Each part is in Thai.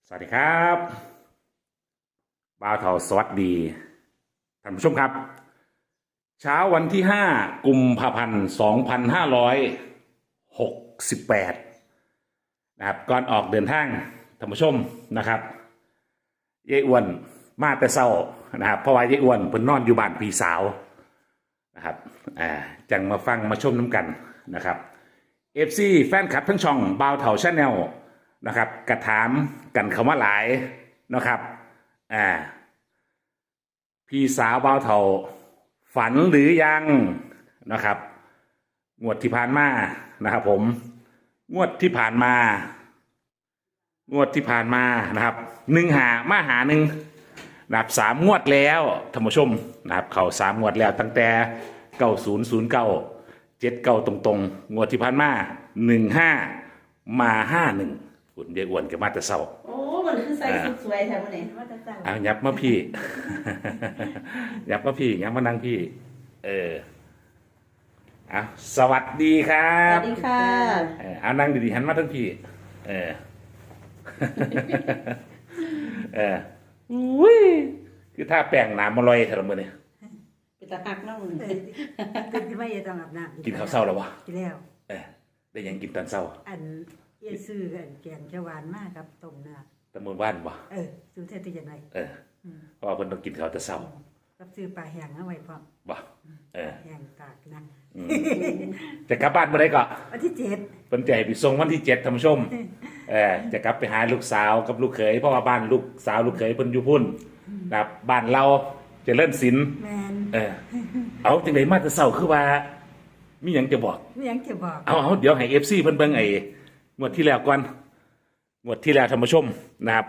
สวัสดีครับบ่าวเทาสวัสดีท่านผู้ชมครับเช้าวันที่5กุมภาพันธ์2568นะครับก่อนออกเดินทางท่านผู้ชมนะครับยายอ้วนมาแต่เช้านะครับเพราะว่ายายอ้วนเพิ่นนอนอยู่บ้านพี่สาวนะครับจังมาฟังมาชมน้ำกันนะครับFC แฟนคลับทั้งช่องบ่าวเทาชาแนลนะครับกระถามกันคำว่าหลายนะครับพี่สาวบ่าวเทาฝันหรือยังนะครับงวดที่ผ่านมานะครับผมงวดที่ผ่านมานะครับ1 หานะครับ3 งวดแล้วท่านผู้ชมนะครับเขา3 งวดแล้วตั้งแต่9009 79ตรงๆงวดที่ผ่านมา15 มา 51คุณยายอ้วนกับมาแต่เช้าโอ้มันคือใส่สุดสวยแถวนี้ว่าจะสั่งยับมาพี่ ยับมาพี่ยับมานั่งพี่สวัสดีครัสบวัสดีค่ะนั่งดีๆหันมาทั้งพี่อุ้ยคือถ้าแป้งน้ำมาลอยเท่าไหร่เนี่ยเป็นตาหักน้องมึงตื่นขึ้นมาอย่าต้องอาบน้ำกินข้าวเช้าแล้ววะกินแล้วได้ยังกินตอนเช้าอันเยซื้อกันแกงเขียวหวานมากครับต้มเนื้อตะมือบ้านวะซื้อเท่าที่จะไหนเพราะว่าเพิ่นต้องกินข้าวแต่เช้ากับซื้อปลาแห้งเอาไว้พร้อมบ่แห้งตากนะจะกลับบ้านเมื่อไรก็วันที่7 เพิ่นจะให้ไปส่งวันที่7ท่านผู้ชมจะกลับไปหาลูกสาวกับลูกเขยเพราะว่าบ้านลูกสาวลูกเขยเพิ่นอยู่พุ่นนะครับบ้านเราจะเล่นศิลป์แม่นเอาจังได๋มาแต่เช้าคือว่ามีหยังจะบอกมีหยังจะบอกเอาเดี๋ยวให้ FC เพิ่นเบิ่งงวดที่แล้วก่อนงวดที่แล้วท่านผู้ชมนะครับ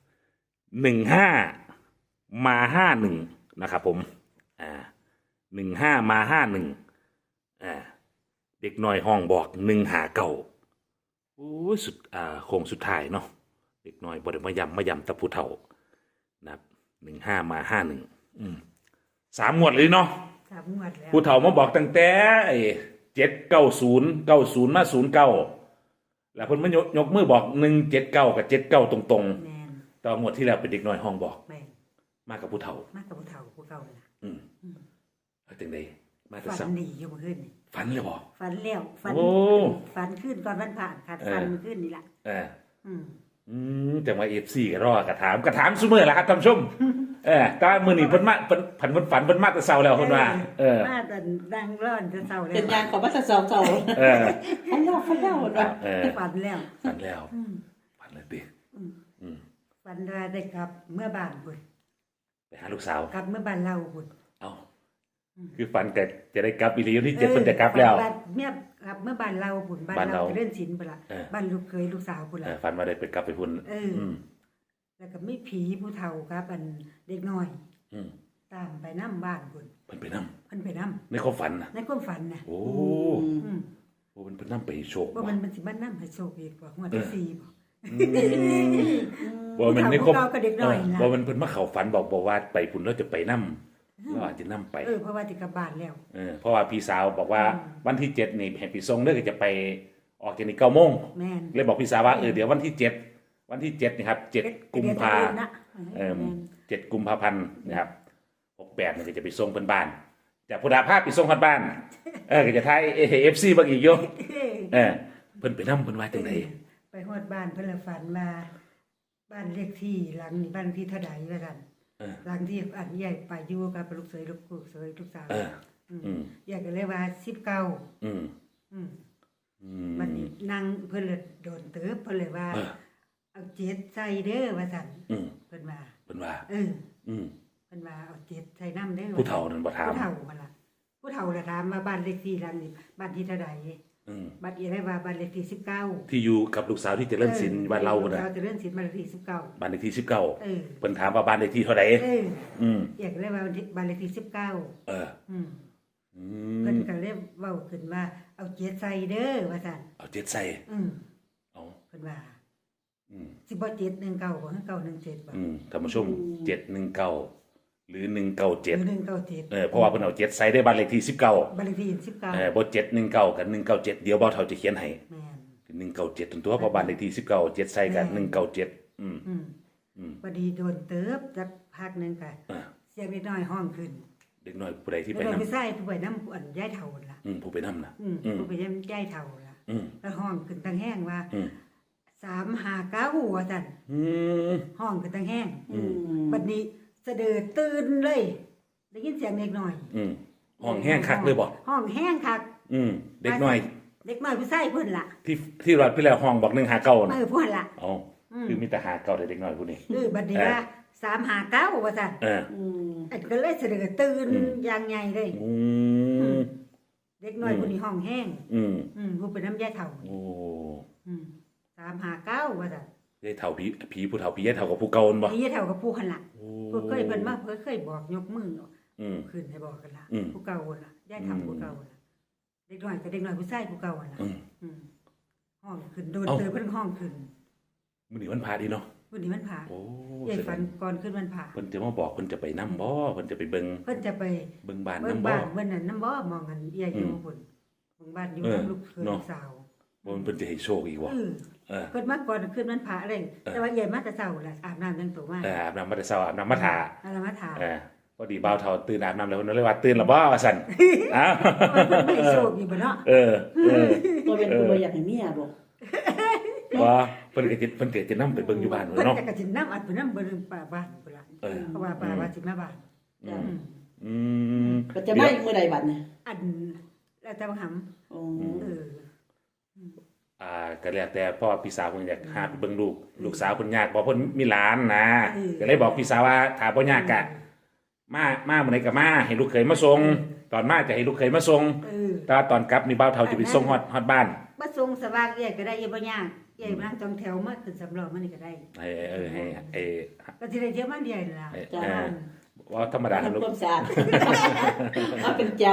15 มา 51นะครับผม15 มา 51เด็กน้อยห้องบอก1 หา 9โอ้ยสุดโค้งสุดท้ายเนาะเด็กน้อยบ่ได้มาย้ำตะผู้เฒ่านะครับ15 มา 51 3 งวดเลยเนาะ 3 งวดแล้วผู้เฒ่ามาบอกตั้งแต่790 90 มา 09แล้วเพิ่นมายกมือบอก179กับ79ตรงๆตอนงวดที่แล้วเป็นเด็กน้อยห้องบอกมากับผู้เฒ่าผู้เก่าล่ะจังได๋มาแต่ฝันดีอยู่เมื่อคืนนี่ฝันเลยบ่ฝันแล้วฝันขึ้นก่อนวันผ่านขาดฝันเมื่อคืนนี่ล่ะจังว่า FC ก็รอกระถามซุมื้อล่ะครับท่านผู้ชมแต่มื้อนี้เพิ่นมาเพิ่นฝันเพิ่นมาแต่เช้าแล้วเพิ่นว่ามาแต่ดังร้อนแต่เช้าแล้วเป็นยางของมาแต่2เช้าฝันแล้วว่าฝันแล้วฝันเลยติฝันว่าได้กลับเมื่อบ้านพุ่นไปหาลูกสาวกลับเมื่อบ้านเราพุ่นคือฝันแต่จะได้กลับอีหลีที่7เพิ่นจะกลับแล้วเมื่อกลับเมื่อบ้านเราพุ่นบ้านเราเล่นศิลป์พุ่นล่ะบ้านลูกเคยลูกสาวพุ่นล่ะฝันว่าได้ไปกลับไปพุ่นแล้วก็มีผีผู้เฒ่าครับอันเด็กน้อยตามไปนำบ้านพุ่นเพิ่นไปนำในความฝันน่ะในความฝันน่ะโอ้เพิ่นนำไปโชคว่ามันสิมานำให้โชคอีกบ่งวดที่4บ่ว่ามันในความว่ามันเพิ่นมาเข้าฝันบอกว่าไปพุ่นแล้วจะไปนำเราอาจจะนำไปเพราะว่าสิกลับบ้านแล้วเพราะว่าพี่สาวบอกว่าวันที่7นี่ให้ไปส่งเด้อก็จะไปออกจากนี่9 โมงเลยบอกพี่สาวว่าเดี๋ยววันที่7นี่ครับ7 กุมภา7 กุมภาพันธ์นะครับ68นี่ก็จะไปส่งเพิ่นบ้านจากพุทธาภาพไปส่งเพิ่นบ้านก็จะทาย FC บางอีกอยู่เพิ่นไปนำเพิ่นว่าจังได๋ไปฮอดบ้านเพิ่นละฝันมาบ้านเลขที่หลังนี้บ้านที่เท่าใดว่าซั่นหลังที่อันใหญ่ไปอยู่กับลูกเขยลูกสาวอยากก็เลยว่า19มันนั่งเพิ่นเลยโดนเติบเพิ่นเลยว่าเอา7ใส่เด้อว่าซั่นเพิ่นว่าเพิ่นว่าเอา7ใส่น้ำเด้อผู้เฒ่านั่นบ่ถามผู้เฒ่าว่าล่ะผู้เฒ่าละถามว่าบ้านเลขที่หลังนี้บ้านที่เท่าใดบ้านอีได้ว่าบ้านเลขที่19 ที่อยู่กับลูกสาวที่เจริญศิลป์บ้านเราน่ะเจริญศิลป์บ้านเลขที่19 บ้านเลขที่19เพิ่นถามว่าบ้านเลขที่เท่าใดอยากได้ว่าบ้านเลขที่19เพิ่นก็เลยเว้าขึ้นว่าเอา7ใส่เด้อว่าซั่นเอา7ใส่เอาเพิ่นว่าสิบ่719บ่คือ917บ่ท่านผู้ชม719หรือ197 เพราะว่าเพิ่นเอา7ใส่ได้บ้านเลขที่19 บ้านเลขที่19 บ่719กับ197เดี๋ยวบ่เฒ่าจะเขียนให้แม่น197ตัวเพราะบ้านเลขที่19 7ใส่กับ197 อืมอืมอืมพอดีโดนเติบจักพักหนึงก็อ่าเสียงนิดหน่อยห้องขึ้นเด็กน้อยผู้ใดที่ไปแล้วนํไปใส่ผู้ไปน้ำอันย้ายเท่าล่ะผู้ไปนํน่ะผู้ไปย้ายเท่าล่ะอืมแล้วห้องขึ้นตั้งแห้งว่าอืม 359ว่าซั่นอืมห้องขึ้นตั้งแห้งอืมบัดนี้เสด็จตื่นเลยได้ยินเสียงเด็กน้อยอืมห้องแห้งคักเลยบ่ห้องแห้งคักอืมเด็กน้อยเด็กน้อยผู้ชายเพิ่นล่ะที่รอดพี่แล้วห้องบอก159น่ะเพิ่นล่ะอ๋อคือมีแต่หาเก่าแต่เด็กน้อยผู้นี้บัดนี้ว่า359ว่าซั่นเอออืมอันก็เลยเสด็จตื่นอย่างใหญ่เลยอืมเด็กน้อยผู้นี้ห้องแห้งอืมผู้เป็นน้ำยาเฒ่าโอ้ 359ว่าซั่นยายเฒ่าผีผู้เฒ่าผียายเฒ่ากับผู้เก่านั่นบ่นี่ยาเฒ่ากับผู้หั่นล่ะโอ้ผู้เคยเพิ่นมาเคยบอกยกมืออืมขึ้นให้บอกกันล่ะอืมผู้เก่าล่ะยายเฒ่าผู้เก่าล่ะเด็กน้อยก็เด็กน้อยผู้ชายผู้เก่าล่ะอืมห้องขึ้นโดนเอ้าเตยเพิ่นห้องขึ้นมื้อนี้วันพาดีเนาะวันนี้มันผ่าโอ้ยายฝันก่อนขึ้นมันผ่าเพิ่นจะมาบอกเพิ่นจะไปนํบ่เพิ่นจะไปเบิ่งเพิ่นจะไปเบิ่งบ้านเบิ่นํงบ่บ้านเบิ่นนั่นน้ำบ่มองกันยายอยู่พุ่นเบิ่งบ้านอยู่เออกับลูกเขยเนาะลูกสาวบ่เพิ่นจะให้โชคอีกบ่เออเออเพิ่นมาก่อนขึ้นมันผ่าอะไรแต่ว่ายายมาแต่เช้าล่ะอาบน้ำจังตัวมาอาบน้ำมาแต่เช้าอาบน้ำมาทาอะไรมาถามพอดีบ่าวเฒ่าตื่นอาบน้ำแล้วเพิ่นเลยว่าตื่นแล้วบ่ว่าซั่นอ้าวเพิ่นไม่โชคอยู่บ่เนาะเออตัวเป็นผู้บ่อยากให้เมียบ่ว่าเพิ่นก็จะนำไปเบิ่งอยู่บ้านเพิ่นเนาะจะกระสินน้ำอัดเพิ่นน้ำเบิ่งป่าบ้านพุ่นล่ะเออเพราะว่าป่าว่าสิมาบ้านอืมอืมอืมก็จะมาอีกมื้อใดบัดเนี่ยอันแล้วแต่ว่าหำโอ้เออก็แล้วแต่พ่อพี่สาวเพิ่นอยากหาไปเบิ่งลูกสาวเพิ่นยากบ่เพิ่นมีหลานนะก็เลยบอกพี่สาวว่าถ้าบ่ยากก็มามื้อใดก็มาให้ลูกเขยมาส่งตอนมาจะให้ลูกเขยมาส่งเออแต่ว่าตอนกลับนี่บ่าวเฒ่าจะไปส่งฮอดบ้านมาส่งสว่างใหญ่ก็ได้ยังบ่ยากใหญ่มานั่งจองแถวมาขึ้นสำรองมานี่ก็ได้ให้ก็สิได้เที่ยวมาเดียวนั่นล่ะจ้าว่าธรรมดาทำลูกความสะอาดเอาเป็นเจ้า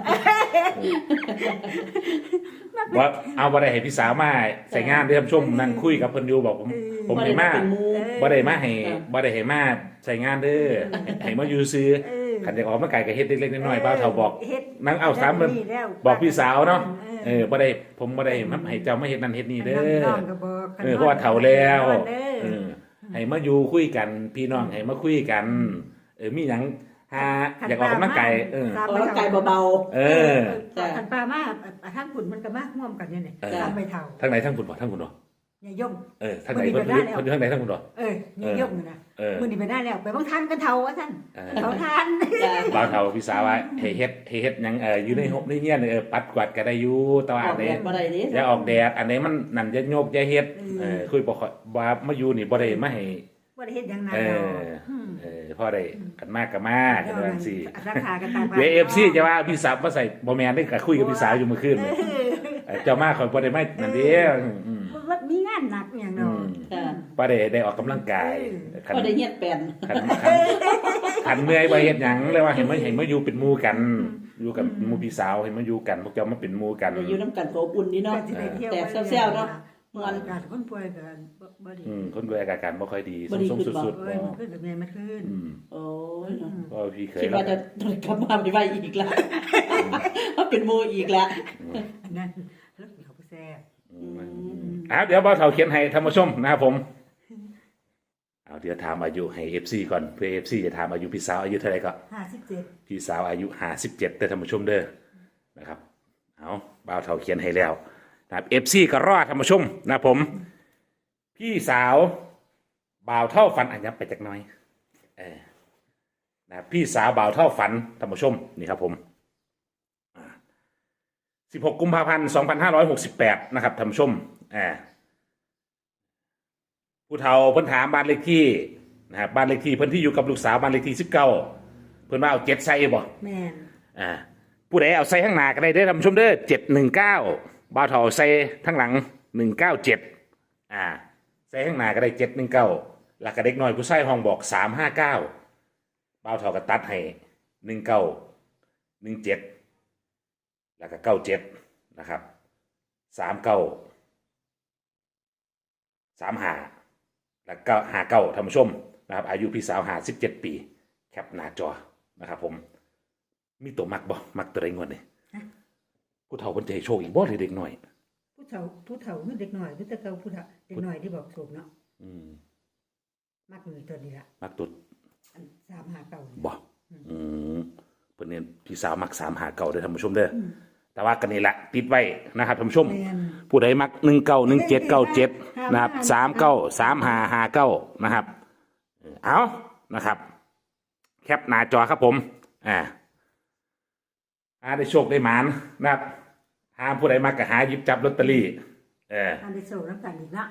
ว่าเอาบ่ได้ให้พี่สาวมาใส่งานเด้อท่านผู้ชมนั่งคุยกับเพิ่นอยู่บอกผมให้มาเป็นหมู่บ่ได้มาให้บ่ได้ให้มาใส่งานเด้อให้มาอยู่ซื้อเออคันจะออกมาไกลก็เฮ็ดเล็กๆน้อยๆบ่าวเฒ่าบอกเฮ็ดนั่งเอาสามเบิ่งแล้วบอกพี่สาวเนาะเออบ่ได้ผมบ่ได้ให้เจ้ามาเฮ็ดนั่นเฮ็ดนี่เด้อน้องก็บอกเพราะว่าเฒ่าแล้วเด้อให้มาอยู่คุยกันพี่น้องให้มาคุยกันมีหยังหาอยากออกกำลังกายออกกำลังกายเบาเออจ้ะคันปลามาทางขุนมันก็มาร่วมกันเนี่ยนี่เออตามไปเฒ่าทางไหนทางคุณบ่ทางคุณบ่อย่าย่อมทางไหนเพิ่นทางไหนทางคุณบ่อย่าย่อมนะ มื้อนี้ไปได้แล้วไปบางทานกันเฒ่าว่าซั่นเขาทานจ้าบ่าวเฒ่าพี่สาวว่าให้เฮ็ดหยังอยู่ในหบในเฮียนปัดกวาดก็ได้อยู่แต่ว่าออัอน กไหนแดดบ่ได้ดิอย่าออกแดดอันไหนมันนั่นอย่าโยกอย่าเฮ็ดคุยบ่ค่อยว่ามาอยู่นี่บ่ได้มาให้บ่ได้เฮ็ดหยังนานเอแล้วพอได้กันมากก็มากันว่าจังซี่ราคากันตามเดี๋ยว FC จะว่าพี่สาวมาใส่บ่แม่นได้ก็คุยกับพี่สาวอยู่เมื่อคืนนี่เจ้ามาข่อยบ่ได้มานั่นเด้ว่ามีงานหนักอย่างเนาะจ้าบ่ได้ออกกำลังกายคันบ่ได้เฮ็ดแปลนคันเมื่อยบ่เฮ็ดหยังเลยว่าให้มาอยู่เป็นหมู่กัน อยู่กับหมู่พี่สาวให้มาอยู่กันพวกเจ้ามาเป็นหมู่กันได้อยู่นำกันก็อบอุ่นนี่เนาะ แต่แซวๆเนาะมันการคนป่วยกันบ่ดีคนด้วยอาการบ่ค่อยดีบ่ดีส่งขึ้นบ่สุดเอ้ยมันขึ้นกับแม่มันขึ้นโอ้ยเนาะๆก็พี่เคยคิดแล้วว่าจะกลับมาไม่ไหวอีกแล้วเพราะเป็นหมู่อีกแล้วอันนั้นแล้วเขาไปแซ่บเดี๋ยวบ่าวเฒ่าเขียนให้ท่านผู้ชมนะครับผมเดี๋ยวถามอายุให้ FC ก่อนเพื่อ FC จะถามอายุพี่สาวอายุเท่าไหร่ก็ 57 พี่สาวอายุ57เด้อท่านผู้ชมเด้อนะครับบ่าวเฒ่าเขียนให้แล้วนะครับ FC ก็รอท่านผู้ชมนะครับผมพี่สาวบ่าวเฒ่าฝันอันยับไปจักหน่อยนะพี่สาวบ่าวเฒ่าฝันท่านผู้ชมนี่ครับผม16 กุมภาพันธ์ 2568นะครับท่านผู้ชมผู้เฒ่าเพิ่นถามบ้านเลขที่นะครับบ้านเลขที่เพิ่นที่อยู่กับลูกสาวบ้านเลขที่19เพิ่นว่าเอา7ใส่บ่แม่นผู้ใดเอาใส่ข้างหน้าก็ได้เด้อท่านผู้ชมเด้อ719บ่าวเฒ่าใส่ข้างหลัง197ใส่ข้างหน้าก็ได้719แล้วก็เด็กน้อยผู้ชายห้องบอก359บ่าวเฒ่าก็ตัดให้19 17แล้วก็97นะครับ39 35แล้วก็59ท่านผู้ชมนะครับอายุพี่สาว57ปีแคปหน้าจอนะครับผมมีตัวมักบ่มักตัวใดงวดนี่ผู้เฒ่าเพิ่นจะให้โชคอีกบ่หรือเด็กน้อยผู้เฒ่าคือเด็กน้อยคือแต่เก่าผู้เฒ่าเด็กน้อยที่บอกถูกเนาะมากเลยตัวนี้ละมักตุดอัน359 บ่เพิ่นเนี่ยพี่สาวมัก3หาเก่าเด้อท่านผู้ชมเด้อแต่ว่ากันนี่ละติดไว้นะครับท่านผู้ชมแม่นผู้ใดมัก191797นะครับ393559นะครับเอานะครับแคปหน้าจอครับผมได้โชคได้หมานนะครับหาผู้ใดมักก็หาหยิบจับลอตเตอรี่อันได้โชคน้ำกันอีกนะ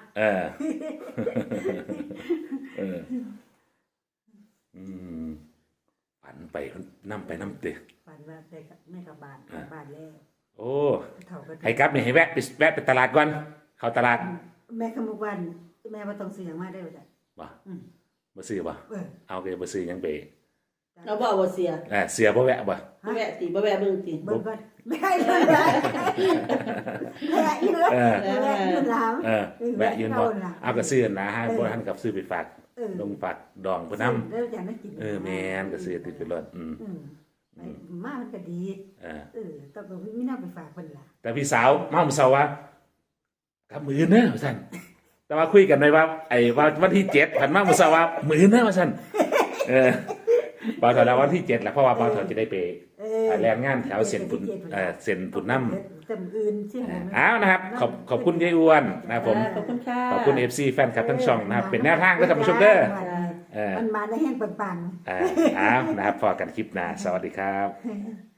ฝันไปนํไปน้ำเตะฝันว่าได้กับแม่กับบ้านแล้วโอ้เท่ากันให้กลับนี่ให้แวะไปตลาดก่อนเข้าตลาดแม่ขมุกวันแม่บ่ต้องซื้อหยังมาได้บ่จ้ะบ่บ่ซื้อบ่เอาก็บ่ซื้อหยังไปเราบอกว่าเสียเสียบ่แวะบ่บ่แวะตีบ่แวะเบิ่งตีเบิ่งก่อนไม่ให้เลยแม่อยู่เลยแม่อยู่ลาวแวะยืนบ่เอาก็ซื้อนะฮะบ่ทันกับซื้อไปฝากลงฝากดองเพิ่นนำแล้วจะได้กินแม่นก็ซื้อติดไปรถมามันก็ดีต้องก็มีแนวไปฝากเพิ่นล่ะแต่พี่สาวมาเมื่อเช้าว่ากับมื้อเด้อว่าซั่นแต่ว่าคุยกันไว้ว่าว่าวันที่7ผันมาเมื่อเช้าว่ามื้อเด้อว่าซั่นบ่าวเฒ่าแล้ววันที่7แหละเพราะว่าบ่าวเฒ่าจะได้ไปแรงงานแถวเส้นพุ่นเส้นพุ่นนำจำอื่นสิหาอ้าวนะครับขอบคุณยายอ้วนนะครับผมขอบคุณค่ะขอบคุณ FC แฟนคลับทั้งช่องนะครับเป็นแนวทางก็ท่านผู้ชมเด้อมันมาได้แห้งปังๆอ้าวนะครับพอกันคลิปหน้าสวัสดีครับ